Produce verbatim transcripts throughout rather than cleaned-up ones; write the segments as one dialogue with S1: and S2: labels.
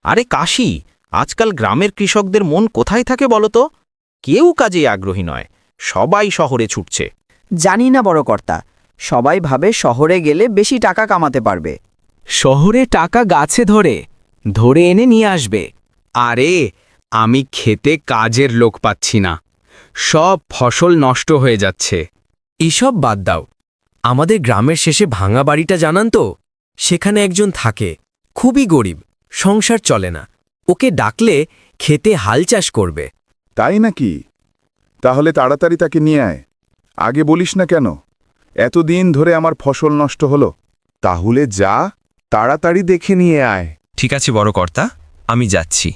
S1: আরে কাশি, আজকাল গ্রামের কৃষকদের মন কোথায় থাকে বলো তো? কেউ কাজে আগ্রহী নয়, সবাই শহরে ছুটছে।
S2: জানি না বড় কর্তা, সবাই ভাবে শহরে গেলে বেশি টাকা কামাতে পারবে।
S3: শহরে টাকা গাছে ধরে ধরে এনে নিয়ে আসবে।
S4: আরে আমি খেতে কাজের লোক পাচ্ছি না, সব ফসল নষ্ট হয়ে যাচ্ছে।
S3: এসব বাদ দাও, আমাদের গ্রামের শেষে ভাঙা বাড়িটা জানান তো? সেখানে একজন থাকে, খুবই গরিব, সংসার চলে না। ওকে ডাকলে খেতে হাল চাষ করবে।
S5: তাই নাকি? তাহলে তাড়াতাড়ি তাকে নিয়ে আয়। আগে বলিস না কেন? এতদিন ধরে আমার ফসল নষ্ট হলো। তাহলে যা, তাড়াতাড়ি দেখে নিয়ে আয়।
S6: ঠিক আছে বড় কর্তা, আমি যাচ্ছি।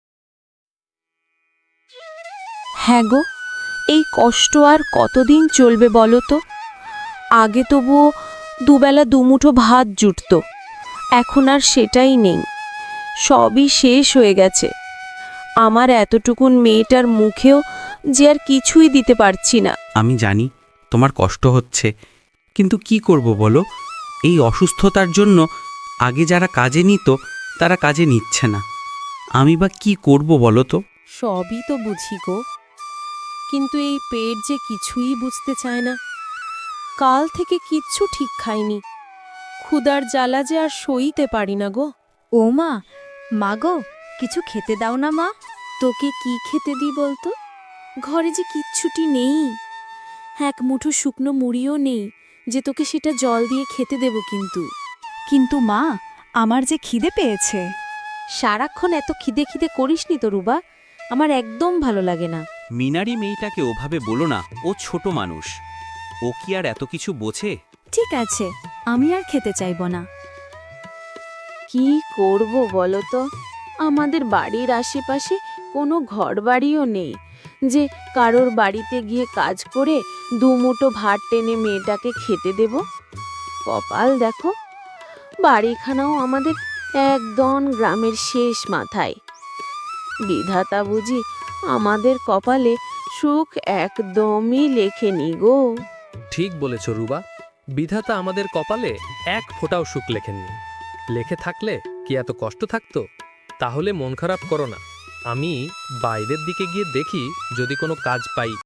S7: হ্যাঁ গো, এই কষ্ট আর কতদিন চলবে বলো তো? আগে তবুও দুবেলা দুমুঠো ভাত জুটত, এখন আর সেটাই নেই। সবই শেষ হয়ে গেছে। আমার এতটুকুন মেয়েটার মুখেও যে আর কিছুই দিতে পারছি না।
S8: আমি জানি তোমার কষ্ট হচ্ছে, কিন্তু কি করব বলো? এই অসুস্থতার জন্য আগে যারা কাজে নিত তারা কাজে নিচ্ছে না। আমি বা কি করব বলো তো?
S7: সবই তো বুঝি গো, কিন্তু এই পেট যে কিছুই বুঝতে চায় না। কাল থেকে কিচ্ছু ঠিক খাইনি, ক্ষুধার জ্বালা যে আর সইতে পারি না গো।
S9: ও মা, মা গো, কিছু খেতে দাও না মা।
S7: তোকে কি খেতে দিই বলতো? ঘরে যে কিচ্ছুটি নেই, এক মুঠো শুকনো মুড়িও নেই যে তোকে সেটা জল দিয়ে খেতে দেব। কিন্তু
S9: কিন্তু মা, আমার যে খিদে পেয়েছে।
S7: সারাক্ষণ এত খিদে খিদে করিসনি তো রুবা, আমার একদম ভালো লাগে না।
S8: মিনারি মেয়েটাকে ওভাবে বলো না, ও ছোট মানুষ, ও কি আর এত কিছু বোঝে?
S9: ঠিক আছে, আমি আর খেতে চাইব না।
S7: কি করব বলো তো? আমাদের বাড়ির আশেপাশে কোনো ঘরবাড়িও নেই যে কারোর বাড়িতে গিয়ে কাজ করে দুমুঠো ভাত টেনে মেয়েটাকে খেতে দেব। কপাল দেখো, বাড়িখানাও আমাদের একদম গ্রামের শেষ মাথায়। বিধাতা বুঝি আমাদের কপালে সুখ একদমই লেখেনি গো।
S10: ঠিক বলেছ রুবা, বিধাতা আমাদের কপালে এক ফোঁটাও সুখ লেখেননি। লেখে থাকলে কি এত কষ্ট থাকতো? তাহলে মন খারাপ করো না, আমি বাইরের দিকে গিয়ে দেখি যদি কোনো কাজ পাই।